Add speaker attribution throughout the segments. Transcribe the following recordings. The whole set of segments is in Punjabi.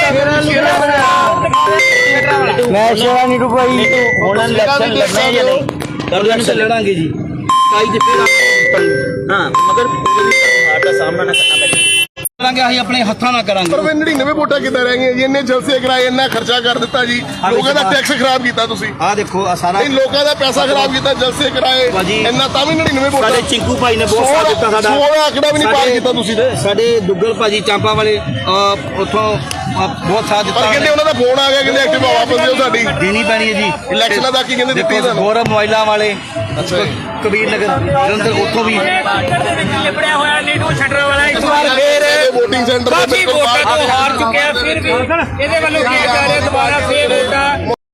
Speaker 1: मैं शेरा नीटू भाई होना इलेक्शन लड़ना है या नहीं?
Speaker 2: इलेक्शन लड़ांगे जी हाँ मगर का सामना ना करना पड़ेगा ਅਸੀਂ ਆਪਣੇ ਹੱਥਾਂ ਨਾਲ ਕਰਾਂਗੇ
Speaker 3: ਪਰ 99 ਵੋਟਾਂ ਕਿੱਦਾਂ ਰਹਿ ਗਈਆਂ ਜੀ ਇੰਨੇ ਜਲਸੇ ਕਰਾਏ ਇੰਨਾ ਖਰਚਾ ਕਰ ਦਿੱਤਾ ਜੀ ਲੋਕਾਂ ਦਾ ਟੈਕਸ ਖਰਾਬ ਕੀਤਾ ਤੁਸੀਂ
Speaker 2: ਆ ਦੇਖੋ ਆ ਸਾਰਾ
Speaker 3: ਨਹੀਂ ਲੋਕਾਂ ਦਾ ਪੈਸਾ ਖਰਾਬ ਕੀਤਾ ਜਲਸੇ ਕਰਾਏ ਇੰਨਾ ਤਾਂ ਵੀ 99 ਵੋਟਾਂ
Speaker 2: ਸਾਡੇ ਚਿੰਕੂ ਭਾਈ ਨੇ ਬਹੁਤ ਸਾਥ ਦਿੱਤਾ ਸਾਡਾ
Speaker 3: 16 ਆંકੜਾ ਵੀ ਨਹੀਂ ਪਾਰ ਕੀਤਾ ਤੁਸੀਂ
Speaker 2: ਸਾਡੇ ਦੁੱਗਲ ਭਾਜੀ ਚਾਂਪਾ ਵਾਲੇ ਉੱਥੋਂ ਬਹੁਤ ਸਾਥ ਦਿੱਤਾ
Speaker 3: ਪਰ ਕਹਿੰਦੇ ਉਹਨਾਂ ਦਾ ਫੋਨ ਆ ਗਿਆ ਕਹਿੰਦੇ ਐਕਟਿਵਾ ਵਾਪਸ ਦਿਓ ਸਾਡੀ
Speaker 2: ਦੇਣੀ ਪੈਣੀ ਹੈ ਜੀ
Speaker 3: ਇਲੈਕਸ਼ਨਾਂ ਦਾ ਕੀ ਕਹਿੰਦੇ ਦਿੱਤੀ ਤੁਹਾਨੂੰ
Speaker 2: ਗੌਰਵ ਮੋਬਾਈਲਾਂ ਵਾਲੇ ਕਬੀਰ ਨਗਰ ਜਲੰਧਰ ਉੱਥੋਂ ਵੀ
Speaker 4: ਲਿਬੜਿਆ ਹੋਇਆ ਨੀਟੂ ਛੱਡਣ ਵਾਲਾ ਇਸ ਵਾਰ
Speaker 3: ਫੇਰ ਵੋਟਿੰਗ ਸੈਂਟਰ ਦੇ
Speaker 4: ਕਾਫੀ ਵੋਟਾਂ ਤੋਂ ਹਾਰ ਚੁੱਕਿਆ ਫਿਰ ਵੀ ਇਹਦੇ ਵੱਲੋਂ ਕੀ ਜਾ ਰਿਹਾ ਦੁਬਾਰਾ ਫੇਰ ਵੋਟਾਂ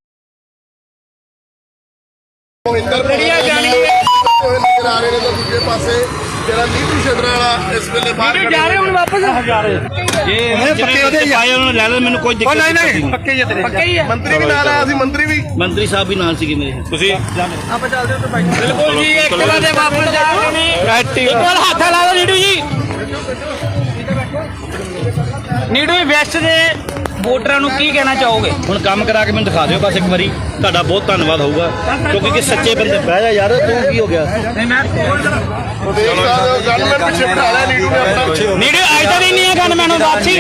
Speaker 3: ਲੜੀਆਂ ਜਾਣਗੀਆਂ ਨਜ਼ਰ ਆ ਰਹੇ ਨੇ ਤਾਂ ਦੂਜੇ ਪਾਸੇ ਜਿਹੜਾ ਨੀਟੂ ਛੱਡਣ ਵਾਲਾ ਇਸ ਵੇਲੇ ਬਾਹਰ
Speaker 4: ਜਾ ਰਹੇ ਹੁਣ ਵਾਪਸ ਜਾ ਰਹੇ
Speaker 2: ਇਹ ਪੱਕੇ ਉਹਦੇ ਆਏ ਉਹਨਾਂ ਲੈ ਲੈ ਮੈਨੂੰ ਕੋਈ ਦਿੱਕਤ ਨਹੀਂ
Speaker 4: ਪੱਕੇ ਹੀ ਤੇਰੇ ਪੱਕੇ ਹੀ ਹੈ
Speaker 3: ਮੰਤਰੀ ਵੀ ਨਾਲ ਆਇਆ ਸੀ ਮੰਤਰੀ
Speaker 2: ਸਾਹਿਬ ਵੀ ਨਾਲ ਸੀਗੇ ਮੇਰੇ ਤੁਸੀਂ
Speaker 4: ਆਪਾਂ ਚੱਲਦੇ ਹਾਂ ਭਾਈ ਬਿਲਕੁਲ ਜੀ ਇੱਕ ਵਾਰ ਦੇ ਵਾਪਸ ਜਾ ਰਹੇ ਨੇ ਇੱਕ ਵਾਰ ਹੱਥ ਲਾ ਲਓ ਨੀਟੂ ਜੀ ਨੀਟੂ ਵੈਸਟ ਦੇ ਵੋਟਰਾਂ ਨੂੰ ਕੀ ਕਹਿਣਾ ਚਾਹੋਗੇ
Speaker 2: ਹੁਣ ਕੰਮ ਕਰਾ ਕੇ ਮੈਨੂੰ ਦਿਖਾ ਦਿਓ ਬਸ ਇੱਕ ਵਾਰੀ ਤੁਹਾਡਾ ਬਹੁਤ ਧੰਨਵਾਦ ਹੋਊਗਾ ਕਿਉਂਕਿ ਕਿ ਸੱਚੇ ਬੰਦੇ ਬਹਿ ਜਾ ਯਾਰ ਤੂੰ ਕੀ ਹੋ ਗਿਆ
Speaker 4: ਨਹੀਂ ਮੈਂ
Speaker 3: ਗਵਰਨਮੈਂਟ ਪਿੱਛੇ ਬਿਠਾ ਲਿਆ ਨੀਟੂ ਨੇ ਆਪਣਾ
Speaker 4: ਨੀਟੂ ਅੱਜ ਤਾਂ ਨਹੀਂ ਹੈ ਗਨ ਮੈਨੂੰ ਵਾਪਸੀ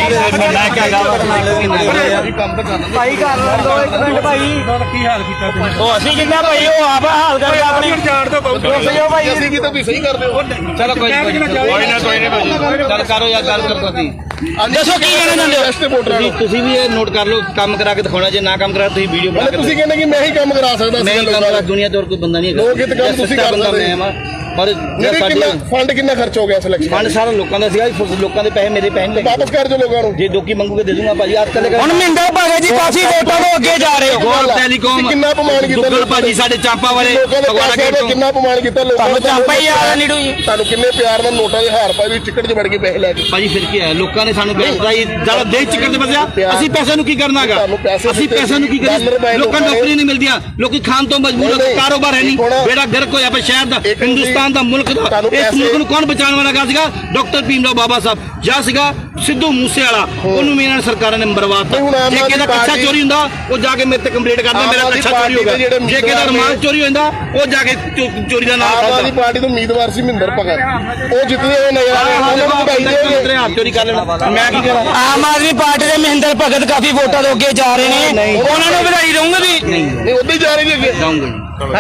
Speaker 4: ਭਾਈ ਕਰ ਲਓ ਇੱਕ ਮਿੰਟ ਭਾਈ ਕੀ ਹਾਲ ਕੀਤਾ ਤੁਸੀਂ ਉਹ ਅਸੀਂ ਜਿੰਨਾ ਭਾਈ ਉਹ ਆਪ ਹਾਲ ਕਰਕੇ ਆਪਣੀ ਜਾਣ ਤੋਂ ਬਹੁਤ ਭਾਈ
Speaker 3: ਅਸੀਂ ਕੀ ਤਾਂ ਤੁਸੀਂ ਸਹੀ ਕਰਦੇ ਹੋ
Speaker 2: ਚਲੋ ਕੋਈ ਨਾ ਗੱਲ ਕਰੋ ਯਾਰ ਗੱਲ ਕਰੋ ਤੁਸੀਂ
Speaker 3: ਦੱਸੋ ਕੀ ਕਹਿਣਾ ਚਾਹੁੰਦੇ ਹੋ ਵੈਸਟ ਵੋਟਰਾਂ ਨੂੰ
Speaker 2: ਤੁਸੀਂ ਵੀ ਇਹ ਨੋਟ ਕਰ ਲਓ ਕੰਮ ਕਰਾ ਕੇ ਦਿਖਾਉਣਾ ਜੇ ਨਾ ਕੰਮ ਕਰਾ ਤੁਸੀਂ ਵੀਡੀਓ ਬਣਾ ਕੇ
Speaker 3: ਤੁਸੀਂ ਕਹਿੰਦੇ ਕਿ ਮੈਂ ਹੀ ਕੰਮ ਕਰਾ ਸਕਦਾ
Speaker 2: ਨਹੀਂ ਕੰਮ ਦੁਨੀਆ ਤੇ ਹੋਰ ਕੋਈ ਬੰਦਾ ਨਹੀਂ ਹੈਗਾ
Speaker 3: ਲੋਕ ਇਹ ਕੰਮ ਤੁਸੀਂ ਕਰ ਸਕਦੇ
Speaker 2: ਪਰ
Speaker 3: ਫੰਡ ਕਿੰਨਾ ਖਰਚ ਹੋ ਗਿਆ ਸਿਲੈਕਸ਼ਨ
Speaker 2: ਫੰਡ ਸਾਰਾ ਲੋਕਾਂ ਦਾ ਸੀਗਾ ਲੋਕਾਂ ਦੇ ਪੈਸੇ ਮੇਰੇ ਪੈਸੇ ਨਹੀਂ
Speaker 3: ਵਾਪਸ ਕਰ ਜੋ ਲੋਕਾਂ ਨੂੰ
Speaker 2: ਜੇ ਦੋਕੀ ਮੰਗੂਗੇ ਦੇ ਦੂੰਗਾ ਭਾਜੀ ਅੱਜ ਕੱਲ੍ਹ
Speaker 4: ਹੁਣ ਮਹਿੰਦਰ ਭਾਗੇ ਜੀ ਕਾਫੀ ਵੋਟਾਂ ਤੋਂ ਅੱਗੇ ਜਾ ਰਹੇ ਹੋ
Speaker 2: ਟੈਲੀਕਾਮ
Speaker 3: ਕਿੰਨਾ ਅਪਮਾਨ ਕੀਤਾ
Speaker 2: ਦੁੱਗਲ ਭਾਜੀ ਸਾਡੇ ਚਾਂਪਾ ਵਾਲੇ
Speaker 3: ਫਗਵਾੜਾ ਗੇਟ ਤੋਂ ਕਿੰਨਾ ਅਪਮਾਨ ਕੀਤਾ ਲੋਕਾਂ
Speaker 4: ਤੁਹਾਨੂੰ ਚਾਂਪਾ ਹੀ ਆ ਨੀਟੂ ਜੀ
Speaker 3: ਤੁਹਾਨੂੰ ਕਿੰਨੇ ਪਿਆਰ ਨਾਲ ਨੋਟਾਂ ਦੇ ਹਾਰ ਪਾਏ ਵੀ ਟਿਕਟ 'ਚ ਵੜ ਕੇ ਪੈਸੇ ਲੈ ਕੇ
Speaker 2: ਭਾਜੀ ਫਿਰ ਕੀ ਹੈ ਲੋਕਾਂ ਨੇ ਸਾਨੂੰ ਬੈਠਦਾ ਜਿਆਦਾ ਦੇ ਚੱਕਰ ਤੇ ਫਸਿਆ ਅਸੀਂ ਪੈਸੇ ਨੂੰ ਕੀ ਕਰਨਾਗਾ ਅਸੀਂ ਪੈਸੇ ਨੂੰ ਕੀ ਕਰੀਏ ਲੋਕਾਂ ਨੂੰ ਨੌਕਰੀ ਨਹੀਂ ਮਿਲਦੀਆਂ ਲੋਕੀ ਖਾਣ ਤੋਂ ਮਜਬੂਰ ਹੋ ਕਾਰੋਬਾਰ ਹੈ ਨਹੀਂ ਬੇੜਾ ਗਰਕ ਹੋਇਆ ਪਿਆ ਸ਼ਹਿਰ ਦਾ ਹਿੰਦੁਸਤਾਨ ਦਾ ਮੁਲਕ ਦਾ ਇਸ ਮੁਲਕ ਨੂੰ ਕੌਣ ਬਚਾਉਣ ਵਾਲਾ ਗਾ ਸੀਗਾ ਡਾਕਟਰ ਭੀਮਰਾਓ ਬਾਬਾ ਸਾਹਿਬ ਜਾਂ ਸੀਗਾ ਸਿੱਧੂ ਮੂਸੇ ਵਾਲਾ ਉਹਨੂੰ ਇਹਨਾਂ ਸਰਕਾਰਾਂ ਨੇ ਮਰਵਾਤਾ ਜੇ ਕਿਹਦਾ ਕੱਛਾ ਚੋਰੀ ਹੁੰਦਾ ਉਹ ਜਾ ਕੇ ਮੇਰੇ ਤੇ ਕੰਪਲੇਂਟ ਕਰਦਾ ਮੇਰਾ ਕੱਛਾ ਚੋਰੀ ਹੋ ਗਿਆ ਜੇ ਕਿਹਦਾ ਰੁਮਾਲ ਚੋਰੀ ਹੁੰਦਾ ਉਹ ਜਾ ਕੇ ਚੋਰੀ ਦਾ ਨਾਮ
Speaker 3: ਆਮ ਆਦਮੀ ਪਾਰਟੀ ਤੋਂ ਉਮੀਦਵਾਰ ਸੀ ਮਹਿੰਦਰ ਭਗਤ ਉਹ ਜਿੱਤਦੇ ਹੋਏ ਨਜ਼ਰ ਆ ਰਹੇ ਉਹਨਾਂ ਨੂੰ ਵਧਾਈ ਦੇ
Speaker 2: ਹੱਥ ਚੋਰੀ ਕਰ ਲੈਣਾ ਮੈਂ ਕੀ ਕਰਾਂ
Speaker 4: ਆਮ ਆਦਮੀ ਪਾਰਟੀ ਦੇ ਮਹਿੰਦਰ ਭਗਤ ਕਾਫੀ ਵੋਟਾਂ ਤੋਂ ਅੱਗੇ ਜਾ ਰਹੇ ਨੇ ਉਹਨਾਂ ਨੂੰ ਵਧਾਈ ਦਊਂਗੇ ਵੀ
Speaker 3: ਨਹੀਂ ਉੱਧਰ ਹੀ ਜਾ ਰਹੇ ਜੀ ਅੱਗੇ
Speaker 2: ਜਾਊਂਗਾ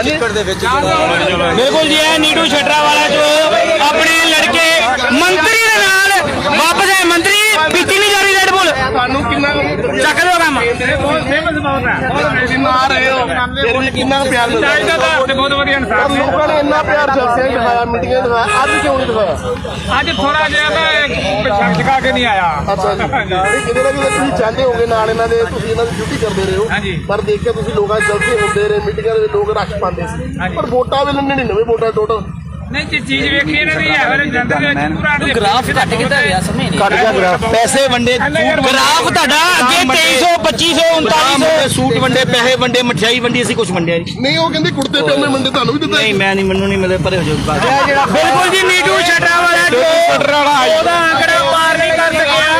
Speaker 4: ਬਿਲਕੁਲ ਜੀ ਇਹ ਨੀਟੂ ਛੱਡਰਾ ਵਾਲਾ ਜੋ ਆਪਣੇ ਲੜਕੇ ਮੰਤਰੀ ਦੇ ਨਾਲ ਵਾਪਸ ਆਏ ਮੰਤਰੀ ਪੀਤੀ ਨਹੀਂ ਜਾ ਰਹੀ ਰੈਡ ਬੁੱਲ
Speaker 3: ਤੁਹਾਨੂੰ ਕਿੰਨਾ
Speaker 4: ਚੱਕ ਲਓ ਕੰਮ
Speaker 3: ਫੇਮਸ ਬਹੁਤ ਹੈ ਜਿੰਨਾ ਆ ਰਹੇ ਹੋ ਫਿਰ ਵੀ ਕਿੰਨਾ ਪਿਆਰ ਮਿਲਦਾ
Speaker 4: ਬਹੁਤ ਵਧੀਆ ਇਨਸਾਨ
Speaker 3: ਲੋਕਾਂ ਨੇ ਇੰਨਾ ਪਿਆਰ ਜਲਸੇ ਦਿਖਾਇਆ ਮੀਟਿੰਗਾਂ ਦਿਖਾਇਆ ਅੱਜ ਕਿਉਂ ਨਹੀਂ ਦਿਖਾਇਆ
Speaker 4: ਅੱਜ ਥੋੜਾ ਜਿਹਾ ਮੈਂ ਛਕਾ ਕੇ ਨਹੀਂ ਆਇਆ
Speaker 3: ਅੱਛਾ ਜੀ ਕਿਤੇ ਨਾ ਕਿਤੇ ਤੁਸੀਂ ਚਾਹੁੰਦੇ ਹੋਗੇ ਨਾਲ ਇਹਨਾਂ ਦੇ ਤੁਸੀਂ ਇਹਨਾਂ ਦੀ ਡਿਊਟੀ ਕਰਦੇ ਰਹੇ ਹੋ ਪਰ ਦੇਖ ਕੇ ਤੁਸੀਂ ਲੋਕਾਂ ਦੇ ਜਲਸੇ ਹੁੰਦੇ ਰਹੇ ਮੀਟਿੰਗਾਂ ਦੇ ਲੋਕ ਰੱਖ ਪਾਉਂਦੇ ਸੀ ਪਰ ਵੋਟਾਂ ਵੇਲੇ 99 ਵੋਟਾਂ ਟੋਟਲ
Speaker 4: ਨਹੀਂ ਜੇ ਚੀਜ਼ ਵੇਖੀ ਇਹਨਾਂ ਦੀ ਹੈ ਜੰਦਰ ਦੇ ਪੂਰਾ
Speaker 1: ग्राफ घट कितना गया समझ नहीं
Speaker 2: ਕੱਟ ਗਿਆ ਗ੍ਰਾਫ ਪੈਸੇ ਵੰਡੇ
Speaker 4: ਗ੍ਰਾਫ ਤੁਹਾਡਾ ਅੱਗੇ 2300 2500 3900
Speaker 2: ਸੂਟ ਵੰਡੇ ਪੈਸੇ ਵੰਡੇ ਮਠਿਆਈ ਵੰਡੀ ਅਸੀਂ ਕੁਝ ਵੰਡਿਆ ਨਹੀਂ
Speaker 3: ਨਹੀਂ ਉਹ ਕਹਿੰਦੇ ਕੁੜਤੇ ਪਜਾਮੇ ਮੰਡੇ ਤੁਹਾਨੂੰ ਵੀ ਦਿੱਤਾ
Speaker 2: ਨਹੀਂ ਮੈਂ ਨਹੀਂ ਮੈਨੂੰ ਨਹੀਂ ਮਿਲੇ ਪਰੇ ਹੋ ਜਾਓ
Speaker 4: ਬਿਲਕੁਲ ਜੀ ਨੀਟੂ ਛੱਡਰਾ ਵਾਲਾ ਜੋ ਉਹਦਾ ਆਂਕੜਾ ਪਾਰ ਨਹੀਂ ਕਰ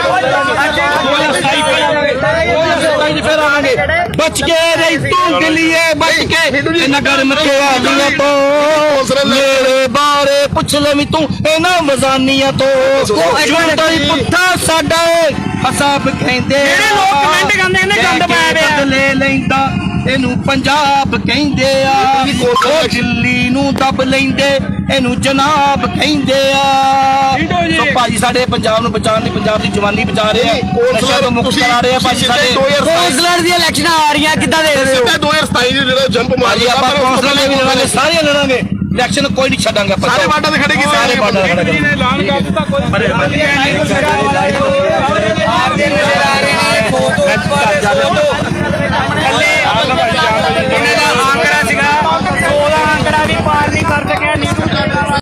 Speaker 4: ਸਕਿਆ
Speaker 2: ਬਚ ਕੇ ਰਹੀ ਤੂੰ ਦਿੱਲੀਏ ਬਚ ਕੇ ਨਗਰ ਮਚਿਆ ਦੁਨੀਆ ਤੋਂ ਮੇਰੇ ਬਾਰੇ ਪੁੱਛ ਲੈ ਵੀ ਤੂੰ ਇਹਨਾਂ ਮਜ਼ਾਨੀਆਂ ਤੋਂ ਕੋਈ ਪੁੱਠਾ ਸਾਡਾ ਹਸਾਬ ਕਹਿੰਦੇ
Speaker 4: ਜਿਹੜੇ ਲੋਕ ਕਮੈਂਟ ਕਰਦੇ ਨੇ ਗੰਦ ਪਾਇਆ ਪਿਆ
Speaker 2: ਲੈ ਲੈਂਦਾ ਇਹਨੂੰ ਪੰਜਾਬ ਕਹਿੰਦੇ ਆ ਉਹ ਦਿੱਲੀ ਨੂੰ ਦਬ ਲੈਂਦੇ ਇਹਨੂੰ ਜਨਾਬ ਕਹਿੰਦੇ ਆ ਸੋ ਭਾਜੀ ਸਾਡੇ ਪੰਜਾਬ ਨੂੰ ਬਚਾਉਣ ਲਈ ਪੰਜਾਬ ਦੀ ਜਵਾਨੀ ਬਚਾ ਰਹੇ ਆ ਨਸ਼ਾ ਤੋਂ ਮੁਕਤ ਕਰਾ ਰਹੇ ਆ ਭਾਜੀ ਸਾਡੇ
Speaker 4: ਕੌਂਸਲਰ ਦੀਆਂ ਇਲੈਕਸ਼ਨਾਂ ਆ ਰਹੀਆਂ ਕਿੱਦਾਂ ਦੇ ਰਹੇ ਹੋ
Speaker 3: 2027 ਦੇ ਜਿਹੜਾ ਜੰਪ ਮਾਰੀ
Speaker 2: ਆਪਾਂ ਕੌਂਸਲਰ ਵੀ ਲੜਾਂਗੇ ਸਾਰੇ ਲੜਾਂਗੇ ਇਲੈਕਸ਼ਨ ਕੋਈ ਨਹੀਂ ਛੱਡਾਂਗੇ
Speaker 3: ਸਾਰੇ ਬਾਟਾ ਦੇ ਖੜੇ ਕੀ ਸਾਰੇ
Speaker 2: ਬਾਟਾ ਦੇ ਖੜੇ
Speaker 4: ਐਲਾਨ ਕਰ ਦਿੱਤਾ ਕੋਈ